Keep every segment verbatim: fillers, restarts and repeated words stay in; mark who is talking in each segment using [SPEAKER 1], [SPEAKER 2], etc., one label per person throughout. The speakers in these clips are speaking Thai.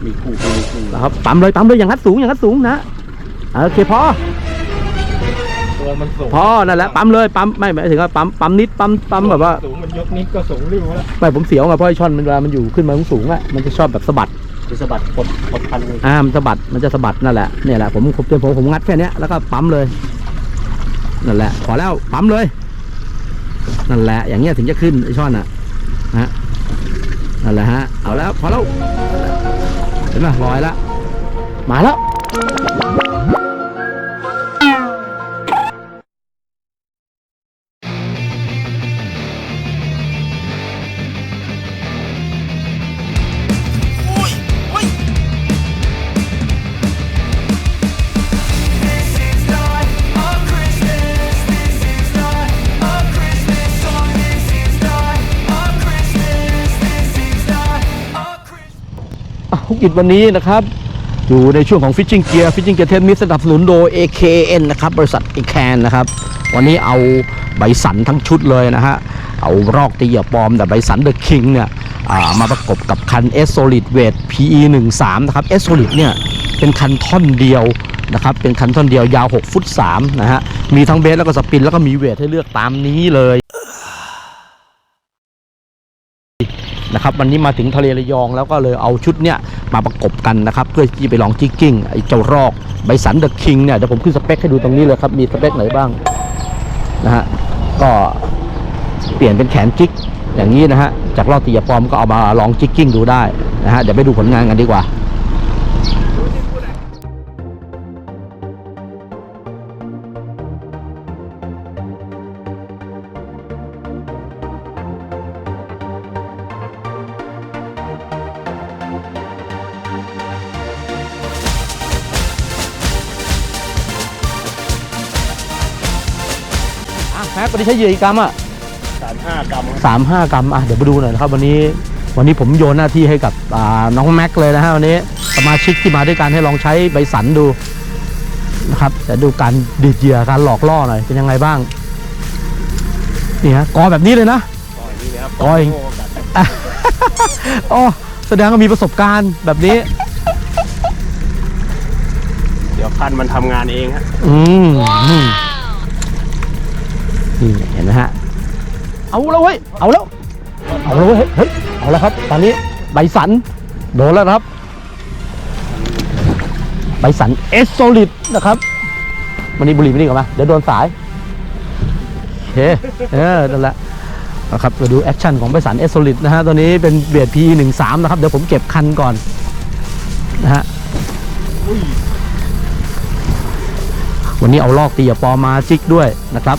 [SPEAKER 1] มีคู่มีคู่
[SPEAKER 2] ครับปั๊มเลยปั๊มเลยอย่างนัดสูงอย่างนัดสูงนะโอเคพอ
[SPEAKER 1] ตัวมันสูง
[SPEAKER 2] พอนั่นแหละปั๊มเลยปั๊มไม่หมายถึงว่าปั๊มปั๊มนิดปั๊มปั๊มแบบว่า
[SPEAKER 1] สูงมันยกนิดก็สูงริ้วแล้ว
[SPEAKER 2] ไม่ผมเสียวไงเพราะไอ้ช่อนมันเวลามันอยู่ขึ้นมาสูงๆอ่ะมันจะชอบแบบสะบัด
[SPEAKER 1] จะสะบัดกดกดพันเลย
[SPEAKER 2] อ่ามันสะบัดมันจะสะบัดนั่นแหละเนี่ยแหละผมผมผมผมงัดแค่นี้แล้วก็ปั๊มเลยนั่นแหละพอแล้วปั๊มเลยนั่นแหละอย่างเงี้ยถึงจะขึ้นไอ้ช่อนอ่ะฮะนั่นแหละฮะเอาแล้วพอแล้วเห็นไหมลอยแล้วมาแล้วธุรกิจวันนี้นะครับอยู่ในช่วงของ Fishing Gear Fishing Gear เทปนี้สนับสนุนโดย เอ เค เอ็น นะครับบริษัท เอ แคน นะครับวันนี้เอาใบสันทั้งชุดเลยนะฮะเอารอกตีเหยื่อปลอมแต่ใบสัน The King เนี่ยมาประกบกับคัน S Solid Weight พี อี สิบสาม นะครับ S Solid เนี่ยเป็นคันท่อนเดียวนะครับเป็นคันท่อนเดียวยาวหกฟุตสามนะฮะมีทั้งเบสแล้วก็สปินแล้วก็มีเวทให้เลือกตามนี้เลยนะครับวันนี้มาถึงทะเลระยองแล้วก็เลยเอาชุดเนี้ยมาประกบกันนะครับเพื่อที่ไปลองจิกกิ้งไอ้เจ้ารอกใบสันเดอะคิงเนี่ยเดี๋ยวผมขึ้นสเปคให้ดูตรงนี้เลยครับมีสเปคไหนบ้างนะฮะก็เปลี่ยนเป็นแขนจิกอย่างนี้นะฮะจากรอกตีเหยื่อปลอมก็เอามาลองจิกกิ้งดูได้นะฮะเดี๋ยวไปดูผลงานกันดีกว่าแม็กวันนี้ใช้เหยื่ออีกกรัมอ่ะ
[SPEAKER 1] สามห้ากรัม
[SPEAKER 2] สามห้ากรัมอ่ะเดี๋ยวมาดูหน่อยนะครับวันนี้วันนี้ผมโยนหน้าที่ให้กับน้องแม็กเลยนะฮะวันนี้สมาชิกที่มาด้วยกันให้ลองใช้ใบสันดูนะครับแต่ดูการดีดเหยื่อการหลอกล่อหน่อยเป็นยังไงบ้างนี่ฮะกอแบบนี้เลยนะ
[SPEAKER 1] ก่อยนี่นะครับ
[SPEAKER 2] กอยอ๋อแสดงว่ามีประสบการณ์แบบนี้
[SPEAKER 1] เดี๋ยวคันมันทำงานเองฮะ
[SPEAKER 2] อืมนี่เห็นไหมฮะเอาแล้วเว้ยเอาแล้วเอาแล้วเว้ยเฮ้ยเอาแล้วครับตอนนี้ใบสันโดนแล้วครับใบสันเอสโซลิดนะครับวันนี้บุหรี่ไม่นิ่งออกมาเดี๋ยวโดนสายโอเคเออนั่นแหละนะครับมาดูแอคชั่นของใบสันเอสโซลิดนะฮะตัวนี้เป็นเบียด พี อี สิบสาม นะครับเดี๋ยวผมเก็บคันก่อนนะฮะวันนี้เอาลอกตีอย่าปอมาจิกด้วยนะครับ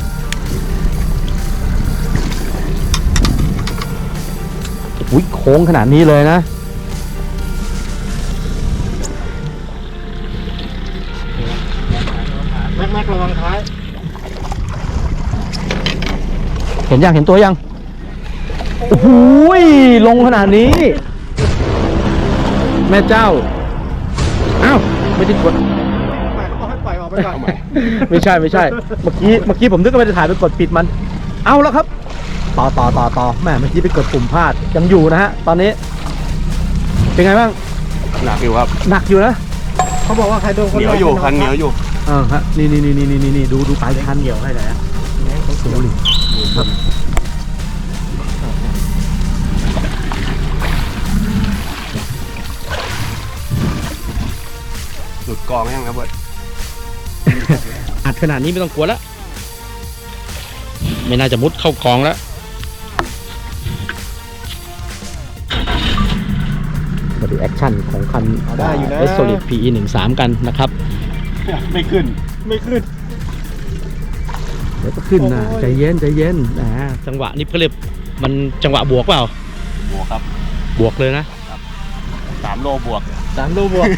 [SPEAKER 2] อุ้ยโค้งขนาดนี้เลยนะ
[SPEAKER 1] แม็กแม็กระวังท้าย
[SPEAKER 2] เห็นยังเห็นตัวยังโอ้โหลงขนาดนี้แม่เจ้าอ้าวไม่ได้กด
[SPEAKER 1] ให้ปล่อยออกไปก่อน
[SPEAKER 2] ไม่ใช่ไม่ใช่เมื่อกี้เมื่อกี้ผมนึกว่าจะถ่ายไปกดปิดมันเอาแล้วครับต่อต่อต่อต่อแม่เมื่อกี้ไปกดปุ่มพลาดยังอยู่นะฮะตอนนี้เป็นไงบ้าง
[SPEAKER 1] หนักอยู่ครับ
[SPEAKER 2] หนักอยู่นะ
[SPEAKER 1] เขาบอกว่าใครโดนคนเหนียวอยู่คันเหนียวอยู่
[SPEAKER 2] อ่าฮะนี่นี่นี่นี่นี่นี่ดูดูปลายคันเกี่ยวให้หน่อยนะต้องสูงดิครับ
[SPEAKER 1] หลุดกองยังครับเบิร์ด
[SPEAKER 2] อัดขนาดนี้ไม่ต้องกลัวแล้วไม่น่าจะมุดเข้ากองแล้วมาดูแอคชั่นของคัน เอส Solid พี อี สิบสาม กันนะครับ
[SPEAKER 1] ไม่ขึ้นไม่ขึ้น
[SPEAKER 2] เดี๋ยวก็ขึ้นนะใจเย็นใจเย็นนะจังหวะนี้เขาเรียกมันจังหวะบวกเปล่า
[SPEAKER 1] บวกครับ
[SPEAKER 2] บวกเลยนะ
[SPEAKER 1] สามโลบวก
[SPEAKER 2] สามโลบวก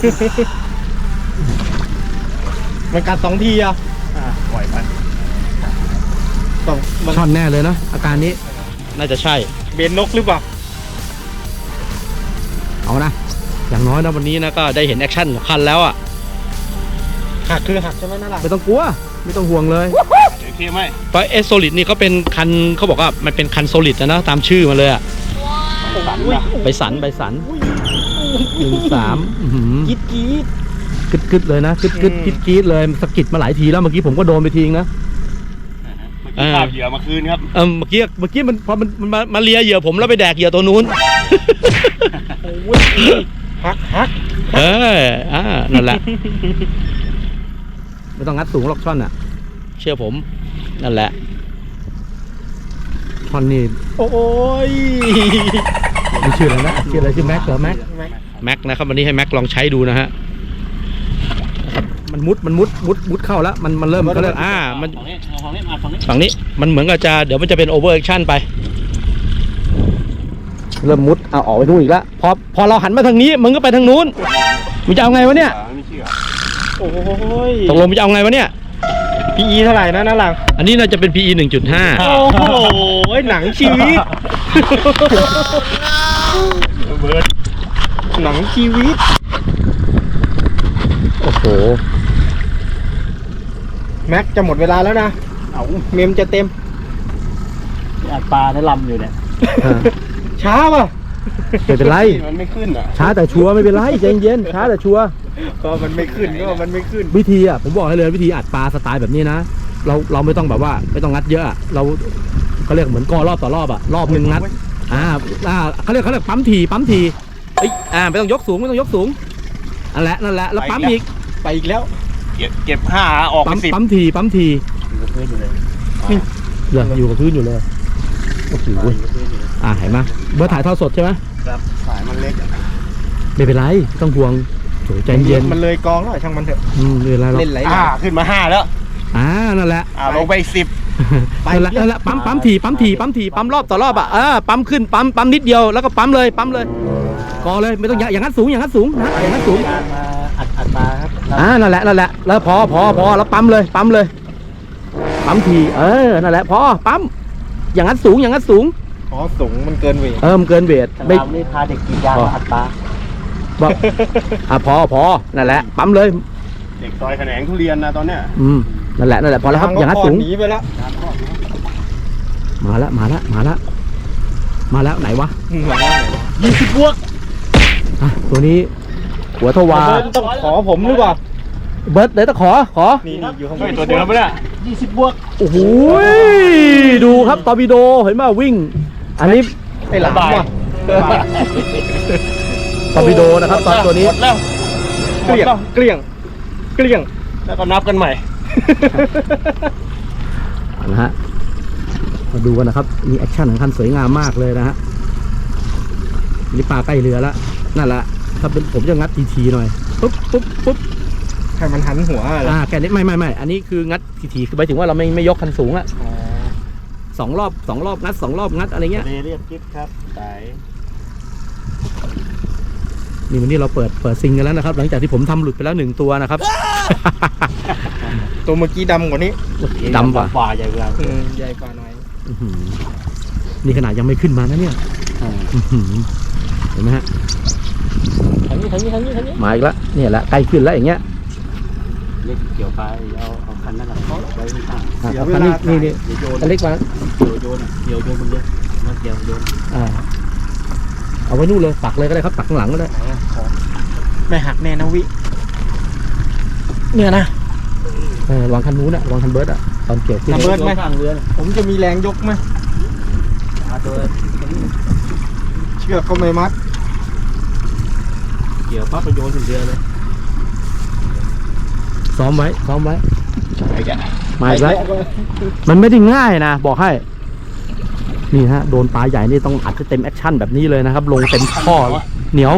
[SPEAKER 1] มันกัดสองทีอ่ะปล่อยไปต้องมัน
[SPEAKER 2] ช่อนแน่เลยนะอาการนี้น่าจะใช่
[SPEAKER 1] เบนนกหรือเปล่า
[SPEAKER 2] เอานะอย่างน้อยนะวันนี้นะก็ได้เห็นแอคชั่นของคันแล้วอ่ะ
[SPEAKER 1] หักคือหักใช่ไหมนั่นแหละ
[SPEAKER 2] ไม่ต้องกลัวไม่ต้องห่วงเลย
[SPEAKER 1] โอเคไหม
[SPEAKER 2] เพราะเอสโซลิดนี่เขาเป็นคันเขาบอกว่ามันเป็นคันโซลิดนะนะตามชื่อมาเลยอ่ะ
[SPEAKER 1] สาม
[SPEAKER 3] สันนะ
[SPEAKER 2] ใบสันใบสันหนึ่งสาม
[SPEAKER 1] กีดกีด
[SPEAKER 2] กึดกึดเลยนะกึดกึด
[SPEAKER 1] อืม
[SPEAKER 2] กึดกึดเลยสะกิดมาหลายทีแล้วเมื่อกี้ผมก็โดนไปทีนะ
[SPEAKER 3] เมื่อกี้ภาพเหยื่อมาคืนครับ
[SPEAKER 2] เออเมื่อกี้เมื่อกี้มันพอมันมันมามาเลียเหยื่อผมแล้วไปแดกเหยื่อตัวนู้น
[SPEAKER 1] โอ้ยฮักฮัก
[SPEAKER 2] เอออ่านั่นแหละ ไม่ต้องงัดสูงหรอกช่อนอ่ะ เชื่อผมนั่นแหละช่อนนี่
[SPEAKER 1] โอ้ย
[SPEAKER 2] มีชื่ออะไรนะชื่ออะไรชื่อแม็กเหรอแม็ก
[SPEAKER 1] แม็ก
[SPEAKER 2] แม็กนะครับวันนี้ให้แม็กลองใช้ดูนะฮะมันมุดมันมุดมุดมุดเข้าแล้วมันมันเริ่มเขาเรียกอ่ามัน
[SPEAKER 3] ฝั่งนี้ฝั่งนี้มาฝั่งนี้
[SPEAKER 2] ฝั่งนี้มันเหมือนกับจะเดี๋ยวมันจะเป็นโอเวอร์แอคชั่นไป เริ่มมุดเอาออกไปนู่นอีกแล้วพอพอเราหันมาทางนี้มึงก็ไปทางนู้นมึงจะเอาไงวะเนี่ย
[SPEAKER 3] ไม่เชื่อ
[SPEAKER 1] โอ้ย
[SPEAKER 2] ตกลงมึงจะเอาไงวะเนี่ย
[SPEAKER 1] พีอีเท่าไหร่นะน้าหลัง
[SPEAKER 2] อันนี้น่าจะเป็น พี อี หนึ่งจุดห้า
[SPEAKER 1] โอ้โหหนังชีวิต
[SPEAKER 3] เบิร์ด
[SPEAKER 1] หนังชีวิต
[SPEAKER 2] โอ้โห
[SPEAKER 1] แม็กจะหมดเวลาแล้วนะ
[SPEAKER 3] เอา
[SPEAKER 1] เมมจะเต็ม
[SPEAKER 3] อัดปลาในลำอยู่เนี่ย
[SPEAKER 1] ช้าป่ะ
[SPEAKER 2] ไม่เป็นไร
[SPEAKER 3] มันไม่ขึ้นอ่ะ
[SPEAKER 2] ช้าแต่ชัวร์ไม่เป็นไรใจเย็นช้าแต่ชัวร์
[SPEAKER 1] ก็มันไม่ขึ้นก็มันไม่ขึ้น
[SPEAKER 2] วิธีอ่ะผมบอกให้เลยวิธีอัดปลาสไตล์แบบนี้นะเราเราไม่ต้องแบบว่าไม่ต้องงัดเยอะอะเราเขาเรียกเหมือนกอรอบต่อรอบอ่ะรอบหนึ่งงัดอ่าอ่าเขาเรียกเขาเรียกปั๊มทีปั๊มทีเอ้ยอ่าไม่ต้องยกสูงไม่ต้องยกสูงนั่นแหละนั่นแหละแล้วปั๊มอีก
[SPEAKER 1] ไปอีกแล้ว
[SPEAKER 3] เก็บเก็บห้าออกไป
[SPEAKER 2] ปั๊ม
[SPEAKER 3] สิบ
[SPEAKER 2] ปั๊มทีปั๊มที
[SPEAKER 3] อยู่กับพื้นอยู่เลย
[SPEAKER 2] เหลืออยู่กับพื้นอยู่เลยโอ้โห
[SPEAKER 3] อยู่กับพื้นอยู่เลย
[SPEAKER 2] อ่าเห็นไหมเบอร์ถ่ายทอดสดใช่ไหม
[SPEAKER 3] ครับสายมันเล็กอะ
[SPEAKER 2] ไม่เป็นไรไม่ต้องห่วงโถใจเย็น
[SPEAKER 1] มันเลยกองแล้วช่างมันเถอะ
[SPEAKER 2] อืมไม่เป็นไรหรอก
[SPEAKER 1] เล่นไหล
[SPEAKER 3] อ่าขึ้นมาห้าแล้ว
[SPEAKER 2] อ่านั่นแหละ
[SPEAKER 3] อ่าลงไปอีกสิบ
[SPEAKER 1] ไป
[SPEAKER 2] นั่นแหละนั่นแหละปั๊มปั๊มทีปั๊มทีปั๊มทีปั๊มรอบต่อรอบอ่ะเออปั๊มขึ้นปั๊มปั๊มนิดเดียวแล้วก็ปั๊มเลยปั๊มเลยกอเลยไม่ต้องอย่างอย่างนั้นสูงอย่างนั้นสูงนะอย่างนั้นสูง
[SPEAKER 3] การมาอัดอัดปลาครับ
[SPEAKER 2] อ่านั่นแหละนั่นแหละแล้วพอพอพอแล้วปั๊มเลยปั๊มเลยปั๊มทีเออนั่นแหละพอปั๊มอย่างนั้นสูงอย่างนั้นสูง
[SPEAKER 1] อ๋อสูงมันเกินเวท
[SPEAKER 2] เออมันเกินเวทไม่
[SPEAKER 3] เรานี่พาเด็กกีดยางมาอัดปลา
[SPEAKER 2] บอกอ่ะพอพอนั่นแหละปั๊มเลย
[SPEAKER 3] เด็กซอยแขนงทุเรียนนะตอนเนี้ย
[SPEAKER 2] อืมนั่นแหละนั่นแหละพอแล้วครับอย่างนั้นสูง
[SPEAKER 1] หนีไปแล้ว
[SPEAKER 2] มาแล้วมาแล้วมาแล้วมาแล้วไหนวะ
[SPEAKER 1] ยี่สิบบวก
[SPEAKER 2] อ่ะตัวนี้หัวทวา
[SPEAKER 1] เบิร์ดต้องขอผมหรือเปล่า
[SPEAKER 2] เบิร์ดเดี๋ยวตะขอขอ
[SPEAKER 1] นี่นี่อยู่ข้างบ
[SPEAKER 3] เฮ้ย
[SPEAKER 1] น
[SPEAKER 3] ตัวเดิมปะเนี่ยยี่สิบบวก
[SPEAKER 2] โอ้โหดูครับตอร์ปิโดเห็นไหมวิ่ง อันนี้
[SPEAKER 1] ไอ้หลามว่ะ
[SPEAKER 2] ตอร์ปิโดนะครับตอนตัวนี้
[SPEAKER 3] หมดแล้ว
[SPEAKER 1] เกลี้ยงเกลี้ยงเกลี้ยง
[SPEAKER 3] แล้วก็นับกันใหม่
[SPEAKER 2] เอานะฮะมาดูกันนะครับมีแอคชั่นของคันสวยงามมากเลยนะฮะนี่ปลาใกล้เรือแล้วนั่นแหละถ้าเป็นผมจะงัดทีทีหน่อยปุ๊บปุ๊บปุ๊บ
[SPEAKER 1] ให้มันหันหัวอะไร
[SPEAKER 2] อ่าแค่นี้ไม่ไม่ไม่อันนี้คืองัดทีทีคือหมายถึงว่าเราไม่ไม่ยกคันสูงอะสองรอบสองรอบงัดสองรอบงัดอะไรเงี้ย
[SPEAKER 3] เรียบกิ๊บครับสาย
[SPEAKER 2] นี่วันนี้เราเปิดเปิดซิงกันแล้วนะครับ หลังจากที่ผมทำหลุดไปแล้วหนึ่งตัวนะครับ
[SPEAKER 1] ตัวเมื่อกี้ดำกว่านี้
[SPEAKER 2] ดำกว่า
[SPEAKER 3] ฝ่าใหญ่กว่า
[SPEAKER 1] อืมใหญ่กว่าหน่อย
[SPEAKER 2] อื้อหือนี่ขนาดยังไม่ขึ้นมานะเนี่ยอื้อหือเห็นไหมฮะ
[SPEAKER 3] ทางนี้ทางนี้ทางนี้ทางนี้
[SPEAKER 2] มาอีกแล้วเนี่ยแหละใกล้ขึ้นแล้วอย่างเงี้ย
[SPEAKER 3] เล็กเกี่ยวไปเอาเอาคันนั้นน่ะไว้ข้าง
[SPEAKER 2] อ่ะเอาคันนี้นี่นี่
[SPEAKER 3] เดี๋ยวโยน
[SPEAKER 2] อันเล็กมา
[SPEAKER 3] เดี๋ยวโยนอ่ะเดี๋ยวโยนมันเลยมันเกี่ยวโยน
[SPEAKER 2] อ่าเอาไว้นู่นเลยปักเลยก็ได้ครับปักข้างหลังก็ได้
[SPEAKER 1] ไม่หักแน่นะวิเนี่ยนะ
[SPEAKER 2] เออวางคันนู้นอะวางคันเบิร์ดอะตอนเกี่ยวขึ้น
[SPEAKER 1] คันเบิร์ดไหม
[SPEAKER 3] ข้างเรือน่ะ
[SPEAKER 1] ผมจะมีแรงยกไหม
[SPEAKER 3] มาตัว
[SPEAKER 1] เชือกก็ไม่มัด
[SPEAKER 3] เกี่ยวปั๊บไปโยนถึงเรือเลย
[SPEAKER 2] ซ้อมไว้ซ้อมไว้
[SPEAKER 3] ไอ้แก
[SPEAKER 2] มาอีกแล้วมันไม่ได้ง่ายนะบอกให้นี่ฮะโดนปลาใหญ่นี่ต้องอัดให้เต็มแอคชั่นแบบนี้เลยนะครับ ลงเต็มข้อเหนียว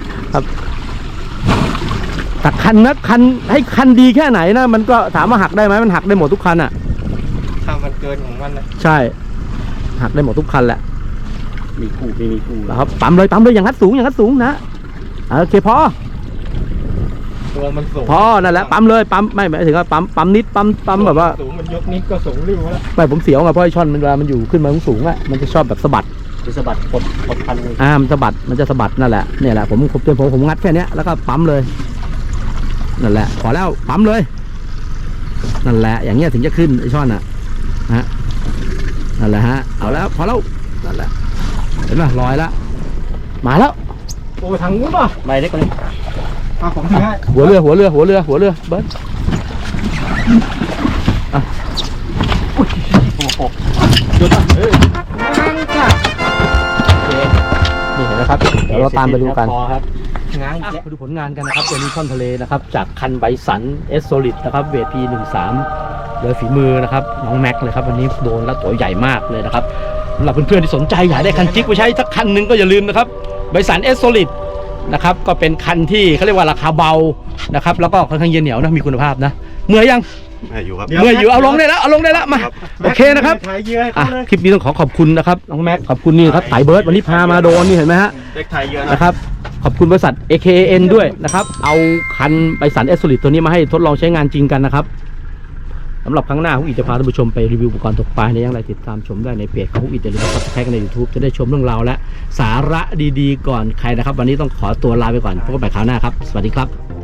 [SPEAKER 2] แต่คันนะคันให้คันดีแค่ไหนนะมันก็ถามว่าหักได้ไหมมันหักได้หมดทุกคันอ่ะ
[SPEAKER 1] ถ้ามันเกินของมันนะ
[SPEAKER 2] ใช่ หักได้หมดทุกคันแหละ
[SPEAKER 3] มีคู่ไม่มีคู่
[SPEAKER 2] นะครับปั๊มเลยปั๊มเลยอย่างนั้นสูงอย่างนั้นสูงนะโอเคพอ
[SPEAKER 1] ตัวมันสูง
[SPEAKER 2] พอนั่นแหละปั๊มเลยปั๊มไม่หมายถึงว่าปั๊มปั๊มนิดปั๊มปั๊มแบบว่า
[SPEAKER 1] สูงมันยกนิดก็สูงริ้วแล้ว
[SPEAKER 2] ไม่ผมเสียวไงเพราะไอ้ช่อนมันเวลามันอยู่ขึ้นมาสูงๆอ่ะมันจะชอบแบบสะบัด
[SPEAKER 3] จะสะบัดกดกดพันเลย
[SPEAKER 2] อ่ามันสะบัดมันจะสะบัดนั่นแหละเนี่ยแหละผมผมผมผมงัดแค่เนี้ยแล้วก็ปั๊มเลยนั่นแหละพอแล้วปั๊มเลยนั่นแหละอย่างเงี้ยถึงจะขึ้นไอ้ช่อนอ่ะฮะนั่นแหละฮะเอาแล้วพอแล้วนั่นแหละเห็นไหมลอยแล้วมาแล้ว
[SPEAKER 1] โอ้ทางนู้นป่ะ
[SPEAKER 3] ใบเล็กกว่านี้
[SPEAKER 1] อ่ะผมถือให้
[SPEAKER 2] หัวเรือหัวเรือหัวเรือหัวเรือเบิร์ดอ่ะ
[SPEAKER 3] โอ้โห
[SPEAKER 2] หยุดอ่ะเออ
[SPEAKER 1] ง้างจ้ะ
[SPEAKER 2] โอเคนี่เห็นไหมครับเดี๋ยวเราตามไปดูกัน
[SPEAKER 3] พอครับ
[SPEAKER 1] ง้าง
[SPEAKER 2] อ่ะ
[SPEAKER 1] แยะ
[SPEAKER 2] มาดูผลงานกันนะครับตัวนี้ช่อนทะเลนะครับจากคันไบสันเอสโซลิดนะครับเวทพีหนึ่งสามโดยฝีมือนะครับน้องแม็กเลยครับวันนี้โดนแล้วตัวใหญ่มากเลยนะครับสำหรับเพื่อนๆที่สนใจอยากได้คันจิกไปใช้สักคันหนึ่งก็อย่าลืมนะครับไบสันเอสโซลิดนะครับก็เป็นคันที่เขาเรียกว่าราคาเบานะครับแล้วก็ค่อนข้างเย็นเหนียวนะมีคุณภาพนะเมื่อยยัง
[SPEAKER 4] ไม่อยู่ครับ
[SPEAKER 2] เมื่อยอยู่เอาลงได้แล้วเอาลงได้แล้วมาโอเคนะครับ
[SPEAKER 1] ถ่ายเหยื่อให้
[SPEAKER 2] อ่ะ
[SPEAKER 1] เขาเลย
[SPEAKER 2] คลิปนี้ต้องขอขอบคุณนะครับน้องแม็กขอบคุณนี่ครับไต่เบิร์ดวันนี้พามาโดนนี่เห็นไหมฮะ
[SPEAKER 4] เด็กไทยเยอะนะ
[SPEAKER 2] นะครับขอบคุณบริษัท เอ เค เอ็น ด้วยนะครับเอาคันไบสันเอสโซลิดตัวนี้มาให้ทดลองใช้งานจริงกันนะครับสำหรับครั้งหน้าฮุกอีจะพาท่านผู้ชมไปรีวิวอุปกรณ์ตกปลาในอย่างไรติดตามชมได้ในเพจของฮุกอีอย่าลืมกดซับสไครต์ใน YouTube จะได้ชมเรื่องราวและสาระดีๆก่อนใครนะครับวันนี้ต้องขอตัวลาไปก่อนพบกันใหม่คราวหน้าครับสวัสดีครับ